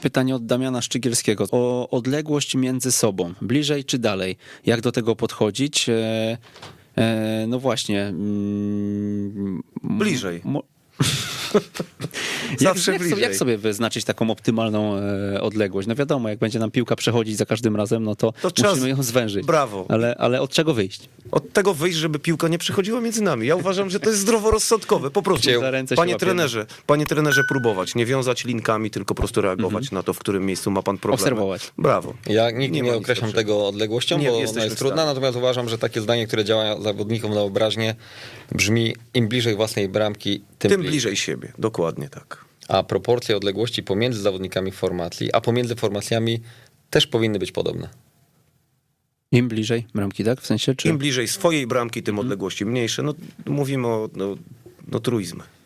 Pytanie od Damiana Szczygielskiego. O odległość między sobą. Bliżej czy dalej? Jak do tego podchodzić? No właśnie. Bliżej. Jak, Zawsze jak, bliżej. sobie, jak sobie wyznaczyć taką optymalną odległość? No wiadomo, jak będzie nam piłka przechodzić za każdym razem, no to trzeba musimy ją zwężyć. Brawo. Ale od czego wyjść? Od tego wyjść, żeby piłka nie przechodziła między nami. Ja uważam, że to jest zdroworozsądkowe. Po prostu, Za ręce się panie trenerze, próbować. Nie wiązać linkami, tylko po prostu reagować na to, w którym miejscu ma pan problem. Obserwować. Brawo. Ja nigdy Nie nie ma nic określam lepszego. tego odległością, Nie, bo ona jesteśmy jest w trudna, stanie. natomiast uważam, że takie zdanie, które działa zawodnikom na obraźnię, brzmi: im bliżej własnej bramki, Tym bliżej siebie. Dokładnie tak. A proporcje odległości pomiędzy zawodnikami w formacji, a pomiędzy formacjami też powinny być podobne. Im bliżej bramki, tak? W sensie, czy... Im bliżej swojej bramki, tym odległości mniejsze. No, mówimy o truizmie.